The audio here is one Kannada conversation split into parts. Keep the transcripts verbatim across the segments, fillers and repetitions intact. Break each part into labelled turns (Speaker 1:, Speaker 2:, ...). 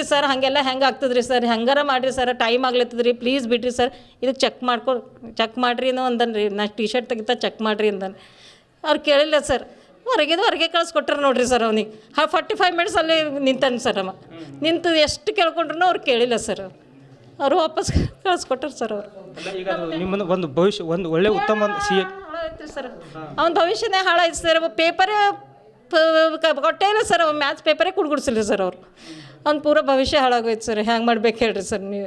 Speaker 1: ಇಲ್ರಿ ಸರ್ ಹಾಗೆಲ್ಲ ಹೆಂಗೆ ಆಗ್ತದ್ರಿ ಸರ್ ಹೆಂಗಾರ ಮಾಡಿರಿ ಸರ್ ಟೈಮ್ ಆಗ್ಲತ್ತದ ರೀ ಪ್ಲೀಸ್ ಬಿಡ್ರಿ ಸರ್ ಇದಕ್ಕೆ ಚೆಕ್ ಮಾಡ್ಕೊ ಚೆಕ್ ಮಾಡಿರಿ ಅನ್ನೋ ಅಂದನ್ ರೀ ನಾ ಟಿ ಶರ್ಟ್ ತೆಗಿತಾ ಚೆಕ್ ಮಾಡಿರಿ ಅಂದನ್ ಅವ್ರು ಕೇಳಿಲ್ಲ ಸರ್ ಹೊರಗಿದು ಹೊರಗೆ ಕಳಿಸ್ಕೊಟ್ರು ನೋಡ್ರಿ ಸರ್ ಅವ್ನಿಗೆ ಹಾ ಫಾರ್ಟಿ ಫೈವ್ ಮಿನಿಟ್ಸ್ ಅಲ್ಲಿ ನಿಂತಾನೆ ಸರ್ ಅವ ನಿಂತು ಎಷ್ಟು ಕೇಳ್ಕೊಂಡ್ರು ಅವ್ರು ಕೇಳಿಲ್ಲ ಸರ್ ಅವರು ವಾಪಸ್ ಕಳಿಸ್ಕೊಟ್ರು ಸರ್ ಅವರು
Speaker 2: ಈಗ ನಿಮ್ಮನ್ನು ಒಂದು ಭವಿಷ್ಯ ಒಂದು ಒಳ್ಳೆ ಉತ್ತಮ ಒಂದು ಸಿ
Speaker 1: ಹಾಳಾಯ್ತು ಸರ್ ಅವ್ನ ಭವಿಷ್ಯನೇ ಹಾಳಾಯ್ತು ಸರ್ ಪೇಪರೇ ಕೊಟ್ಟೇ ಇಲ್ಲ ಸರ್ ಅವ್ನು ಮ್ಯಾಥ್ಸ್ ಪೇಪರೇ ಕುಡ್ಗುಡ್ಸಿಲ್ಲ ಸರ್ ಅವರು ಅವ್ನು ಪೂರ ಭವಿಷ್ಯ ಹಾಳಾಗೋಯ್ತು ಸರ್ ಹ್ಯಾಂಗೆ ಮಾಡ್ಬೇಕು ಹೇಳ್ರಿ ಸರ್ ನೀವು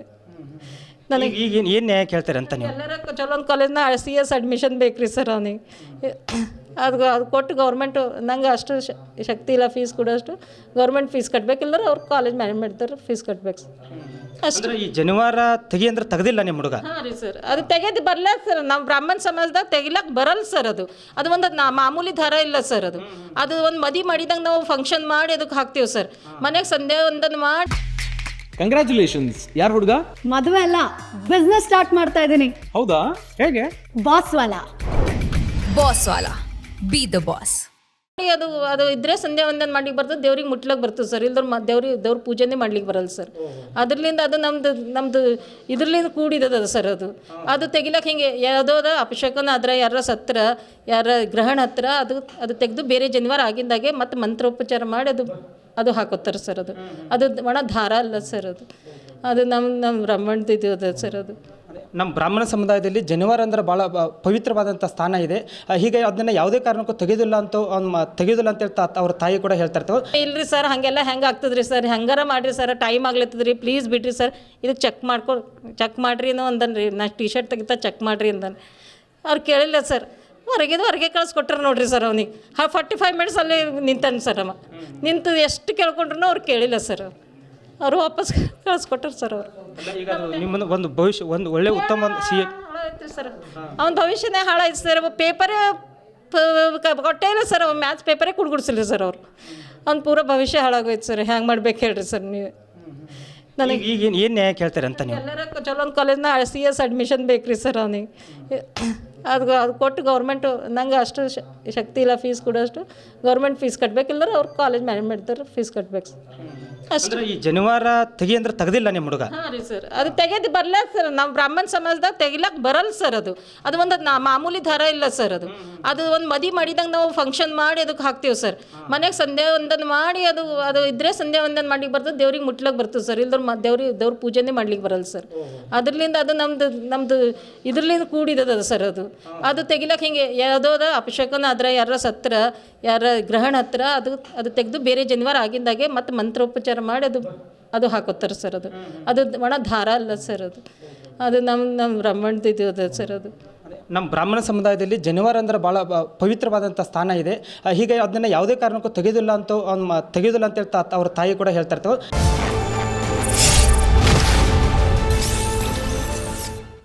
Speaker 2: ನನಗೆ ಈಗ ಏನು ಏನು ನ್ಯಾಯ ಕೇಳ್ತಾರೆ ಅಂತ ನೀವು
Speaker 1: ಎಲ್ಲರ ಚಲೋ ಒಂದು ಕಾಲೇಜ್ನ ಸಿ ಎಸ್ ಅಡ್ಮಿಷನ್ ಬೇಕು ರೀ ಸರ್ ಅವನಿಗೆ ಅದು ಅದು ಕೊಟ್ಟು ಗೌರ್ಮೆಂಟು ನಂಗೆ ಅಷ್ಟು ಶಕ್ತಿ ಇಲ್ಲ ಫೀಸ್ ಕೊಡೋಷ್ಟು ಗೌರ್ಮೆಂಟ್ ಫೀಸ್ ಕಟ್ಬೇಕಿಲ್ಲರ ಅವ್ರು ಕಾಲೇಜ್ ಮ್ಯಾನೇಜ್ಮೆಂಟ್ದವ್ರು ಫೀಸ್ ಕಟ್ಬೇಕು ಸರ್ ಅಷ್ಟು
Speaker 2: ಈ ಜನಿವಾರ ತೆಗಿ ಅಂದ್ರೆ ತೆಗೆದಿಲ್ಲ ನಿಮ್ಮ ಹುಡುಗ
Speaker 1: ಹಾಂ ರೀ ಸರ್ ಅದು ತೆಗೆದು ಬರಲ್ಲ ಸರ್ ನಾವು ಬ್ರಾಹ್ಮಣ ಸಮಾಜದಾಗ ತೆಗಿಲಕ್ಕೆ ಬರಲ್ಲ ಸರ್ ಅದು ಅದು ಒಂದು ನಾ ಮಾಮೂಲಿ ದರ ಇಲ್ಲ ಸರ್ ಅದು ಅದು ಒಂದು ಮದಿ ಮಾಡಿದಾಗ ನಾವು ಫಂಕ್ಷನ್ ಮಾಡಿ ಅದಕ್ಕೆ ಹಾಕ್ತೀವಿ ಸರ್ ಮನೆಗೆ ಸಂಧ್ಯಾ ಒಂದನ್ನು ಮಾಡಿ
Speaker 3: ಕಂಗ್ರ್ಯಾಚುಲೇಷನ್ಸ್ ಯಾರು ಹುಡುಗ
Speaker 4: ಮದುವೆ ಅಲ್ಲ ಬಿಸ್ನೆಸ್ ಸ್ಟಾರ್ಟ್ ಮಾಡ್ತಾ ಇದ್ದೀನಿ
Speaker 3: ಹೌದಾ ಹೇಗೆ
Speaker 4: ಬಾಸ್ ವಾಲ
Speaker 5: ಬಾಸ್ ವಾಲ ಬಿ ದ ಬಾಸ್
Speaker 1: ಅದು ಅದು ಇದ್ರೆ ಸಂಧ್ಯಾ ಒಂದನ್ನು ಮಾಡ್ಲಿಕ್ಕೆ ಬರ್ತದೆ ದೇವ್ರಿಗೆ ಮುಟ್ಲಕ್ಕೆ ಬರ್ತದೆ ಸರ್ ಇಲ್ದ್ರ ಮ ದೇವ್ರಿಗೆ ದೇವ್ರ ಪೂಜೆನೇ ಮಾಡ್ಲಿಕ್ಕೆ ಬರಲ್ಲ ಸರ್ ಅದ್ರಲಿಂದ ಅದು ನಮ್ದು ನಮ್ಮದು ಇದ್ರಲಿಂದ ಕೂಡಿದದ ಸರ್ ಅದು ಅದು ತೆಗಿಲಕ್ಕೆ ಹಿಂಗೆ ಯಾವುದೋ ಅದ ಅಪಶಕನ ಅದ್ರ ಯಾರ ಸತ್ರ ಯಾರ ಗ್ರಹಣ ಹತ್ರ ಅದು ಅದು ತೆಗೆದು ಬೇರೆ ಜನಿವಾರ ಆಗಿಂದಾಗೆ ಮತ್ತು ಮಂತ್ರೋಪಚಾರ ಮಾಡಿ ಅದು ಅದು ಹಾಕೋತಾರೆ ಸರ್ ಅದು ಅದು ಒಣ ದಾರ ಅಲ್ಲ ಸರ್ ಅದು ಅದು ನಮ್ಮ ನಮ್ಮ ಬ್ರಹ್ಮಾಂಡದ ಇದು ಅದ ಸರ್ ಅದು
Speaker 2: ನಮ್ಮ ಬ್ರಾಹ್ಮಣ ಸಮುದಾಯದಲ್ಲಿ ಜನಿವಾರ ಅಂದ್ರೆ ಭಾಳ ಪವಿತ್ರವಾದಂಥ ಸ್ಥಾನ ಇದೆ ಹೀಗಾಗಿ ಅದನ್ನು ಯಾವುದೇ ಕಾರಣಕ್ಕೂ ತೆಗೆಯೋದಿಲ್ಲ ಅಂತ ಅವ್ನು ತೆಗೆಯೋದಿಲ್ಲ ಅಂತ ಹೇಳ್ತಾ ಅವ್ರ ತಾಯಿ ಕೂಡ ಹೇಳ್ತಾ ಇರ್ತವೆ
Speaker 1: ಇಲ್ರಿ ಸರ್ ಹಾಗೆಲ್ಲ ಹೆಂಗೆ ಆಗ್ತದ್ರಿ ಸರ್ ಹೆಂಗಾರ ಮಾಡಿರಿ ಸರ್ ಟೈಮ್ ಆಗ್ಲತ್ತದ ರೀ ಪ್ಲೀಸ್ ಬಿಡ್ರಿ ಸರ್ ಇದಕ್ಕೆ ಚೆಕ್ ಮಾಡ್ಕೊ ಚೆಕ್ ಮಾಡಿರಿ ಅನ್ನೋ ಅಂದನ್ ರೀ ನಾ ಟಿ ಶರ್ಟ್ ತೆಗಿತಾ ಚೆಕ್ ಮಾಡಿರಿ ಅಂದನ್ ಅವ್ರು ಕೇಳಿಲ್ಲ ಸರ್ ಹೊರಗಿದು ಹೊರಗೆ ಕಳಿಸ್ಕೊಟ್ರು ನೋಡ್ರಿ ಸರ್ ಅವ್ನಿಗೆ ಹಾ ಫಾರ್ಟಿ ಫೈವ್ ಮಿನಿಟ್ಸ್ ಅಲ್ಲಿ ನಿಂತಾನೆ ಸರ್ ಅವ ನಿಂತು ಎಷ್ಟು ಕೇಳ್ಕೊಂಡ್ರು ಅವ್ರು ಕೇಳಿಲ್ಲ ಸರ್ ಅವರು ವಾಪಸ್ ಕಳಿಸ್ಕೊಟ್ರು ಸರ್ ಅವರು
Speaker 2: ಈಗ ನಿಮ್ಮನ್ನು ಒಂದು ಭವಿಷ್ಯ ಒಂದು ಒಳ್ಳೆ ಉತ್ತಮ ಒಂದು ಸಿ
Speaker 1: ಹಾಳಾಯ್ತು ಸರ್ ಅವ್ನ ಭವಿಷ್ಯನೇ ಹಾಳಾಯ್ತು ಸರ್ ಪೇಪರೇ ಕೊಟ್ಟೇ ಇಲ್ಲ ಸರ್ ಅವ್ನು ಮ್ಯಾಥ್ಸ್ ಪೇಪರೇ ಕುಡ್ಗುಡ್ಸಿಲ್ಲ ಸರ್ ಅವರು ಅವ್ನು ಪೂರ ಭವಿಷ್ಯ ಹಾಳಾಗೋಯ್ತು ಸರ್ ಹ್ಯಾಂಗೆ ಮಾಡ್ಬೇಕು ಹೇಳ್ರಿ ಸರ್ ನೀವು ನನಗೆ
Speaker 2: ಈಗ ಏನು ಏನು ನ್ಯಾಯ ಕೇಳ್ತಾರೆ ಅಂತ ನೀವು
Speaker 1: ಎಲ್ಲರ ಚಲೋ ಒಂದು ಕಾಲೇಜ್ನ ಸಿ ಎಸ್ ಅಡ್ಮಿಷನ್ ಬೇಕು ರೀ ಸರ್ ಅವನಿಗೆ ಅದು ಅದು ಕೊಟ್ಟು ಗೌರ್ಮೆಂಟು ನಂಗೆ ಅಷ್ಟು ಶಕ್ತಿ ಇಲ್ಲ ಫೀಸ್ ಕೊಡೋಷ್ಟು ಗೌರ್ಮೆಂಟ್ ಫೀಸ್ ಕಟ್ಬೇಕಿಲ್ಲರ ಅವ್ರು ಕಾಲೇಜ್ ಮ್ಯಾನೇಜ್ಮೆಂಟ್ದವ್ರು ಫೀಸ್ ಕಟ್ಬೇಕು ಸರ್ ಅಷ್ಟು
Speaker 2: ಈ ಜನಿವಾರ ತೆಗಿ ಅಂದ್ರೆ ತೆಗೆದಿಲ್ಲ ನಿಮ್ಮ ಹುಡುಗ
Speaker 1: ಹಾಂ ರೀ ಸರ್ ಅದು ತೆಗೆದು ಬರಲ್ಲ ಸರ್ ನಾವು ಬ್ರಾಹ್ಮಣ ಸಮಾಜದಾಗ ತೆಗಿಲಕ್ಕೆ ಬರಲ್ಲ ಸರ್ ಅದು ಅದು ಒಂದು ನಾ ಮಾಮೂಲಿ ದರ ಇಲ್ಲ ಸರ್ ಅದು ಅದು ಒಂದು ಮದಿ ಮಾಡಿದಾಗ ನಾವು ಫಂಕ್ಷನ್ ಮಾಡಿ ಅದಕ್ಕೆ ಹಾಕ್ತೀವಿ ಸರ್ ಮನೆಗೆ ಸಂಧ್ಯಾ ಒಂದನ್ನು ಮಾಡಿ ಅದು ಅದು ಇದ್ರೆ ಸಂಧ್ಯಾ ಒಂದನ್ನು ಮಾಡ್ಲಿಕ್ಕೆ ಬರ್ತದೆ ದೇವ್ರಿಗೆ ಮುಟ್ಲಕ್ಕೆ ಬರ್ತದೆ ಸರ್ ಇಲ್ದ್ರ ಮ ದೇವ್ರಿಗೆ ದೇವ್ರ ಪೂಜೆನೇ ಮಾಡ್ಲಿಕ್ಕೆ ಬರಲ್ಲ ಸರ್ ಅದ್ರಲಿಂದ ಅದು ನಮ್ಮದು ನಮ್ಮದು ಇದ್ರಲಿಂದ ಕೂಡಿದದ ಸರ್ ಅದು ಅದು ತೆಗಿಲಕ್ಕೆ ಹಿಂಗೆ ಯಾವುದೋ ಅದ ಅಪಶಕನ ಅದ್ರ ಯಾರ ಸತ್ರ ಯಾರ ಗ್ರಹಣ ಹತ್ರ ಅದು ಅದು ತೆಗೆದು ಬೇರೆ ಜನಿವಾರ ಆಗಿಂದಾಗೆ ಮತ್ತು ಮಂತ್ರೋಪಚಾರ ಮಾಡಿ ಅದು ಅದು ಹಾಕೋತಾರೆ ಸರ್ ಅದು ಅದು ಒಣ ದಾರ ಅಲ್ಲ ಸರ್ ಅದು ಅದು ನಮ್ಮ ನಮ್ಮ ಬ್ರಹ್ಮಾಂಡದ ಇದು ಅದ ಸರ್ ಅದು
Speaker 2: ನಮ್ಮ ಬ್ರಾಹ್ಮಣ ಸಮುದಾಯದಲ್ಲಿ ಜನಿವಾರ ಅಂದ್ರೆ ಭಾಳ ಪವಿತ್ರವಾದಂಥ ಸ್ಥಾನ ಇದೆ ಹೀಗಾಗಿ ಅದನ್ನು ಯಾವುದೇ ಕಾರಣಕ್ಕೂ ತೆಗೆಯೋದಿಲ್ಲ ಅಂತ ಅವ್ನು ತೆಗೆಯೋದಿಲ್ಲ ಅಂತ ಹೇಳ್ತಾ ಅವ್ರ ತಾಯಿ ಕೂಡ ಹೇಳ್ತಾ ಇರ್ತವೆ.